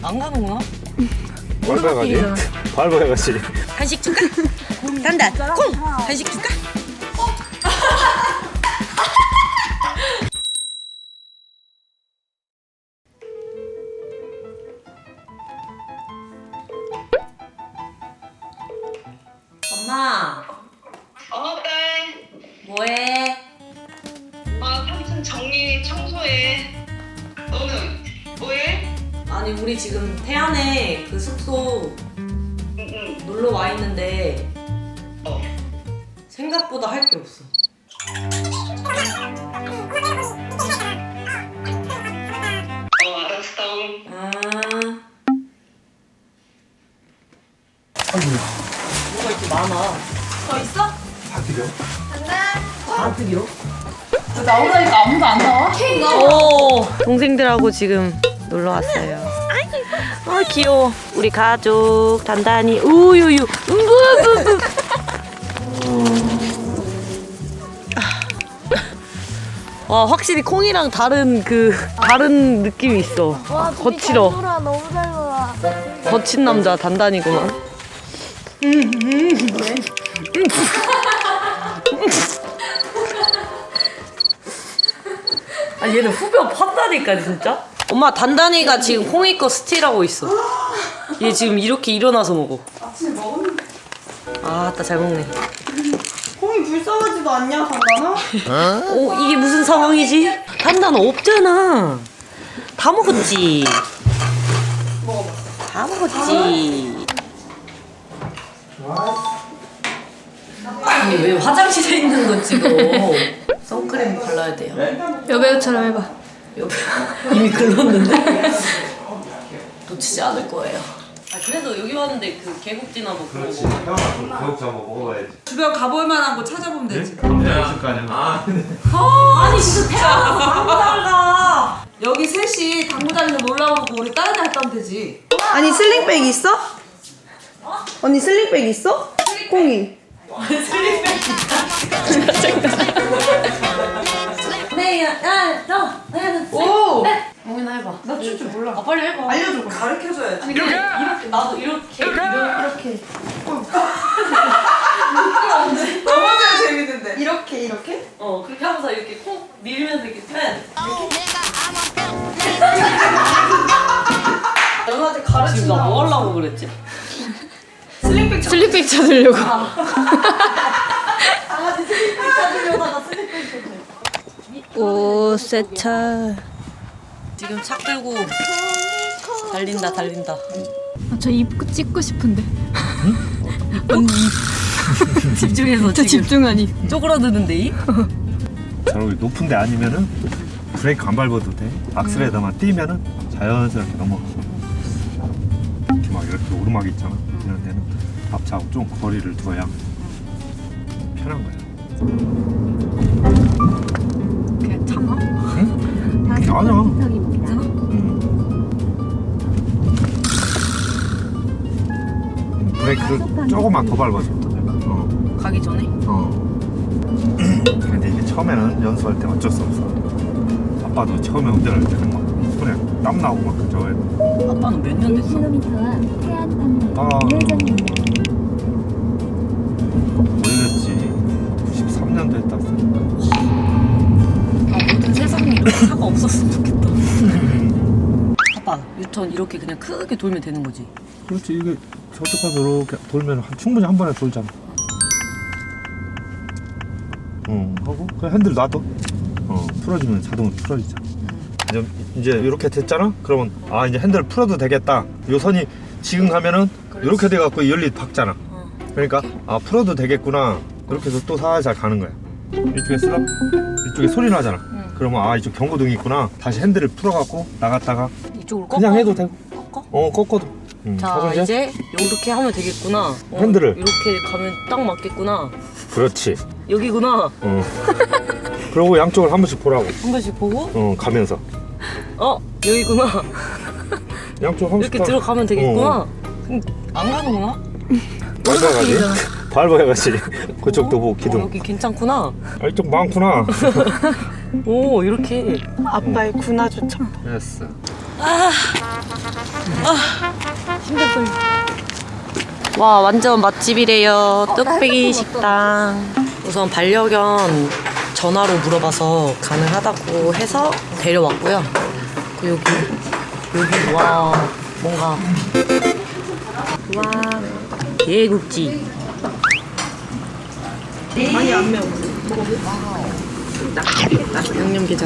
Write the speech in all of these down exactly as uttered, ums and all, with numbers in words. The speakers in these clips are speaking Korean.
안 가는구나? 밟아야지. 밟아야지. 간식 줄까? 단단 콩! 간식 줄까? 엄마 어, 딸. 뭐해? 아, 삼촌 정리 청소해. 너는 뭐해? 아니 우리 지금 태안에 그 숙소 응, 응. 놀러 와 있는데 어. 생각보다 할 게 없어. 어, 알았어. 아 아이고. 뭐가 이렇게 많아? 더 있어? 다 드려? 다 드려? 나오라니까 아무도 안 나와? 오 동생들하고 지금 놀러 왔어요. 아 귀여워. 우리 가족 단단히 우유유 우우우우. 와 확실히 콩이랑 다른 그 다른 느낌이 있어. 와, 둘이 잘 거칠어. 놀아, 너무 잘 놀아. 거친 남자 단단이구만. 아 얘는 후벼 팠다니까 진짜. 엄마 단단이가 지금 콩이 거 스틸하고 있어. 얘 지금 이렇게 일어나서 먹어. 아침에 먹었는데 아따 잘 먹네. 콩이 불쌍하지도 않냐 단단아? 오 이게 무슨 상황이지? 단단 없잖아. 다 먹었지. 먹어봐. 다 먹었지. 아니 왜 화장실에 있는 거 찍어? 선크림 발라야 돼요. 여배우처럼 해봐. 여기 이미 글렀는데 놓치지 않을 거예요. 아 그래도 여기 왔는데 그 계곡지나 뭐 그런 거 먹어. 태어나서 개국자 한번 먹어봐야지. 주변 가볼 만한 거 찾아보면 되지. 혼자 있을 거 아니야. 아, 아니 진짜 태어나서 방구달 가. 여기 셋이 당구장에서 놀러 오고 우리 다른 데 갔다 오면 되지. 아니 슬링백 있어? 언니 슬링백 있어? 콩이. 네, 야, 너, 오! 영민아 해봐. 나 출 줄 몰라. 아 빨리 해봐. 알려줘. 가르쳐줘야지. 아니 근데 이렇게 나도 이렇게 이렇게 너무 잘 재밌는데. 이렇게 이렇게? 어 그렇게 하면서 이렇게 콩 밀면서 이렇게 팬. 너한테 지금 가르친다. 나 뭐 하려고 그랬지? 슬링백 슬립백 찾으려고. 강아지 슬리핑 찾으려다가 슬리핑 찾으려. 오, 세차. 지금 차 끌고 달린다 달린다. 아, 저 입 찍고 싶은데. 언니 집중해서 저 지금 집중하니. 쪼그라드는데 이? 저기 높은 데 아니면은 브레이크 안 밟아도 돼. 악셀에다만 띄면은 자연스럽게 넘어가. 이렇게 막 이렇게 오르막이 있잖아. 이런 데는 앞차하고 좀 거리를 둬야 편한 거야. 그냥 참아. 응? 아니야. 괜찮아? 응. 음, 브레이크를 조금만 더 밟아줘. 어. 가기 전에? 어. 근데 이게 처음에는 연습할 때 어쩔 수 없어. 아빠도 처음에 운전할 때는 막 손에 땀 나고 막 그죠. 아빠는 몇 년 됐어? 킬로미터와 태안 방면 아. 우회전입니다. 오래됐지. 구십삼 년도 했다. 아 모든 세상에 이렇게 차가 없었으면 좋겠다. 아빠 유턴 이렇게 그냥 크게 돌면 되는 거지? 그렇지. 이게 저쪽 가서 이렇게 돌면 한- 충분히 한 번에 돌잖아. 응. 하고 그냥 핸들 놔둬. 어. 풀어주면 자동으로 풀어지잖아. 이제 이제 이렇게 됐잖아. 그러면 아 이제 핸들을 풀어도 되겠다. 요 선이 지금 가면은 이렇게 돼 갖고 열리 박잖아. 어. 그러니까 아 풀어도 되겠구나. 이렇게 해서 또 살살 가는 거야. 이쪽에 쓰라 이쪽에 소리 나잖아. 응. 그러면 아 이쪽 경고등이 있구나. 다시 핸들을 풀어갖고 나갔다가 이쪽으로 꺾어? 그냥 해도 되고. 꺾어? 어 꺾어도. 응. 자 하고 이제 이렇게 하면 되겠구나. 어, 핸들을. 이렇게 가면 딱 맞겠구나. 그렇지. 여기구나. 어. 그러고 양쪽을 한 번씩 보라고. 한 번씩 보고 어 가면서 어 여기구나. 양쪽 한 번씩 이렇게 봐. 들어가면 되겠구나. 어. 그럼 안 가는구나? 밟아야지. 밟아야지. 그쪽도 보고 어, 기둥. 여기 괜찮구나. 아 이쪽 많구나. 오 이렇게. 아빠의 군화주점. 됐어. 아 와 완전 맛집이래요. 뚝배기 식당. 우선 반려견 전화로 물어봐서 가능하다고 해서 데려왔고요. 그 여기 여기 와 뭔가 와 개국지. 많이 안 매워. 양념게장.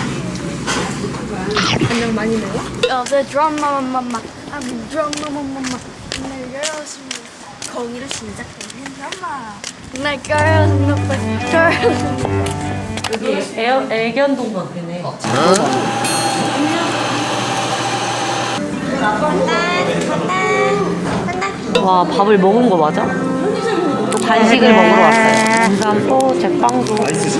간장 많이 매워? 요새 드라마 맘마 아 드라마 맘마 날 열었습니다 거기로 시작되는 드라마 날 girls girls 여기 애, 애견동 같네. 와 밥을 먹은 거 맞아? 또 간식을 먹으러 왔어요. 인삼도 제빵도.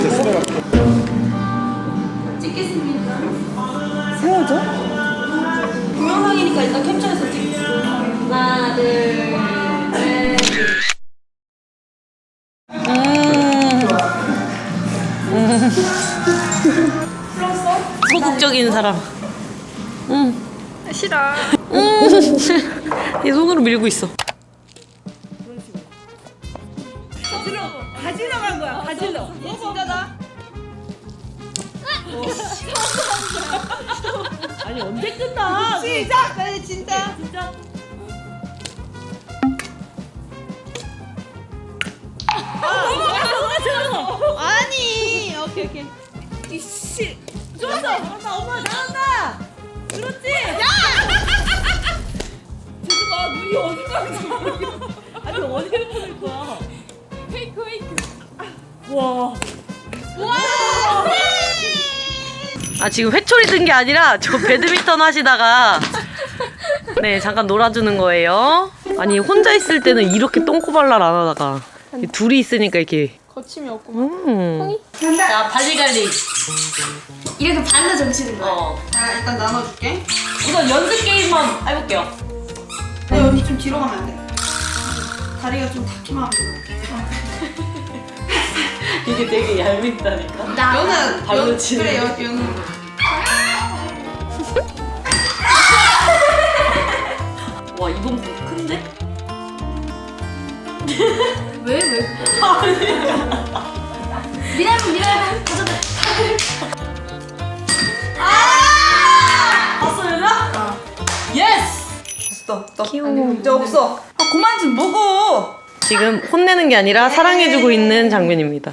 세워져? 동영상이니까 일단 캡처해서 찍. 하나 둘 셋. 음. 소극적인 사람. 응. 싫어. 얘 손으로 밀고 있어. 가지러 간 거야. 가지러. 얘 진짜다. 아니 언제 끝나? 시작. 빨리 진짜. 진짜. 아니. 오케이 오케이. 이씨. 좋았어. 잘한다. 엄마 잘한다. 그렇지. 야. 재수가 눈이 어디 가는 아니 어디를 보낼 거야? 페이크 페이크. 와. 아 지금 회초리 든 게 아니라 저 배드민턴 하시다가 네 잠깐 놀아주는 거예요. 아니 혼자 있을 때는 이렇게 똥꼬발랄 안 하다가 둘이 있으니까 이렇게 거침이 없고. 음. 자 발리갈리. 이렇게 반로 점치는 거야 어. 자 일단 나눠줄게. 우선 연습 게임만 해볼게요. 근데 언니 좀 뒤로 가면 안 돼? 다리가 좀 닿기만 하면 돼. 이게 되게 얄밉다니까. 연은 발로 연- 치는 그래 거. 연 연은. 와 이건 뭐 큰데? 왜 왜? 미라면 미라면 봤어 얘들아? 예스! 없어 없어. 귀여워. 이제 없어. 아 그만 좀 먹어. 지금 혼내는 게 아니라 사랑해주고 있는 장면입니다.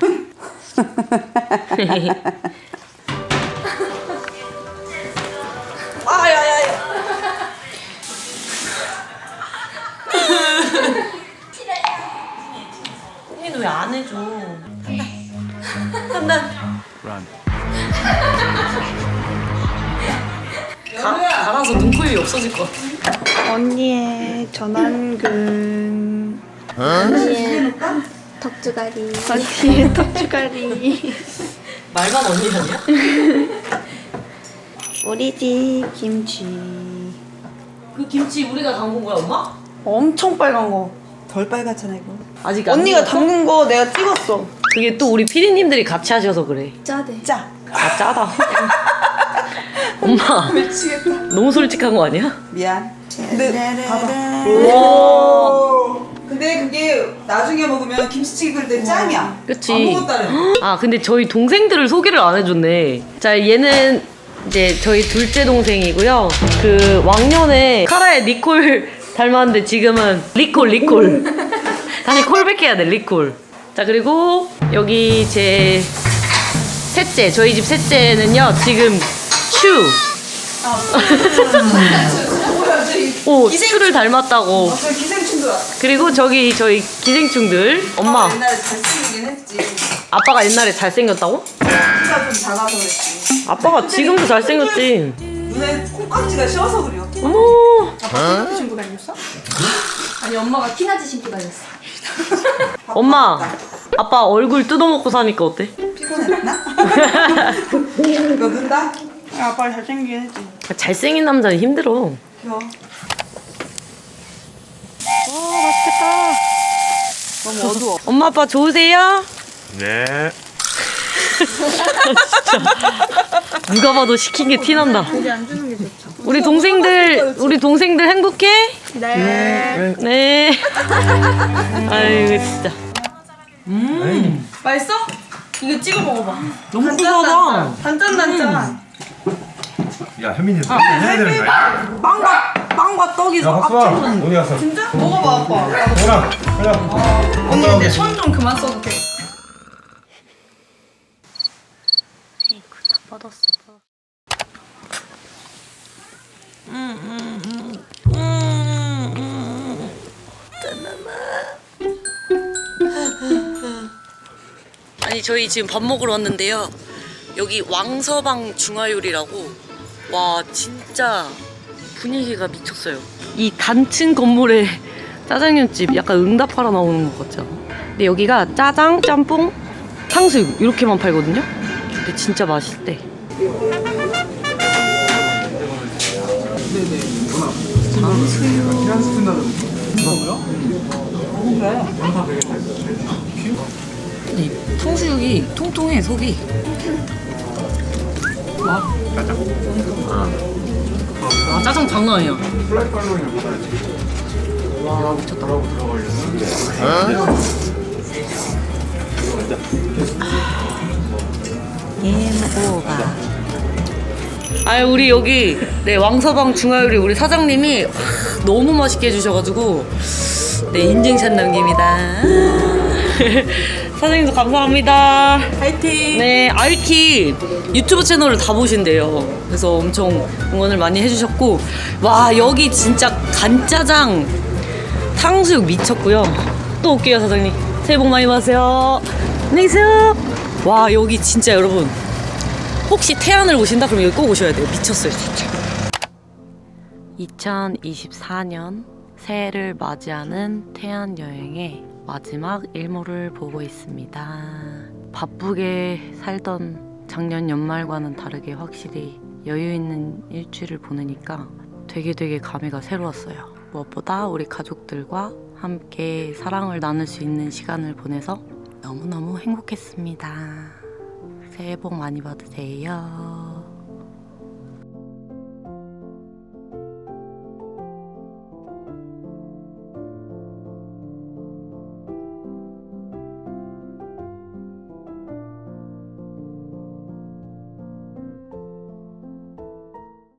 아야야야. 언니는 왜 안 해줘? 한다. 한다. 가, 갈아서 눈코입이 없어질 것 같아. 언니의 전완근. 덕주가리 언니의 턱주가리. 말만 언니 아니야? 우리 집 김치. 그 김치 우리가 담근 거야 엄마? 엄청 빨간 거. 덜 빨갛잖아 이거. 아직 안 언니가 익었어? 담근 거 내가 찍었어. 그게 또 우리 피디님들이 같이 하셔서 그래. 짜대 짜. 아 짜다. 엄마 미치겠다. 너무 솔직한 거 아니야? 미안. 근데 봐봐. 와. 근데 그게 나중에 먹으면 김치찌개 끓일 때 짱이야. 그치. 아무것도 안 해. 아 근데 저희 동생들을 소개를 안 해줬네. 자 얘는 이제 저희 둘째 동생이고요. 그 왕년에 카라의 니콜 닮았는데 지금은 리콜 리콜. 다시 콜백해야 돼 리콜. 자 그리고 여기 제 셋째 저희 집 셋째는요 지금 슈. 뭐야 저기. 오 슈를 닮았다고. 저 기생충들 왔어. 그리고 저기 저희 기생충들 엄마 옛날에 잘생기긴 했지. 아빠가 옛날에 잘생겼다고? 키가 좀 작아서 그랬지. 아빠가 지금도 잘생겼지. 눈에 콩깍지가 씌어서 그려. 어머. 아빠 콩깍지 신고 다녔어? 아니 엄마가 티나지 신고 다녔어 엄마 아빠 얼굴 뜯어먹고 사니까 어때? 피곤했나? 너 는다? 아빠 잘생기긴 했지. 잘생긴 남자는 힘들어. 귀여워. 너무 어두워. 엄마 아빠 좋으세요? 네. 진짜 누가 봐도 시킨 게 티난다. 우리 동생들 우리 동생들 행복해? 네. 네. 아이고 진짜. 음. 맛있어? 이거 찍어 먹어봐. 너무 단짠, 고소하다. 단짠 단짠. 야 현민이 해야 되는 거야? 빵과 빵과 떡이 야 박수아 어디 갔어? 진짜? 먹어봐 아빠. 뭐라 그래. 언니 근데 손 좀 그만 써도 돼. 아이고 다 뻗었어. 아니 저희 지금 밥 먹으러 왔는데요. 여기 왕서방 중화요리라고 와 진짜 분위기가 미쳤어요. 이 단층 건물에 짜장면집 약간 응답하러 나오는 것 같죠? 근데 여기가 짜장, 짬뽕, 탕수육 이렇게만 팔거든요. 근데 진짜 맛있대. 이 탕수육이 통통해 속이. 와 짜장. 아, 아 짜장 장난 아니야. 와 미쳤다. 예모가. 아 우리 여기 네 왕서방 중화요리 우리 사장님이 와, 너무 맛있게 해주셔가지고 네 인증샷 남깁니다. 사장님도 감사합니다. 파이팅. 네 알키 유튜브 채널을 다 보신대요. 그래서 엄청 응원을 많이 해주셨고 와 여기 진짜 간짜장 탕수육 미쳤고요. 또 올게요 사장님. 새해 복 많이 받으세요. 안녕히 계세요. 와 여기 진짜 여러분 혹시 태안을 오신다 그럼 여기 꼭 오셔야 돼요. 미쳤어요 진짜. 이천이십사 년 새해를 맞이하는 태안 여행의 마지막 일몰을 보고 있습니다. 바쁘게 살던 작년 연말과는 다르게 확실히 여유 있는 일주일을 보내니까 되게 되게 감회가 새로웠어요. 무엇보다 우리 가족들과 함께 사랑을 나눌 수 있는 시간을 보내서 너무너무 행복했습니다. 새해 복 많이 받으세요.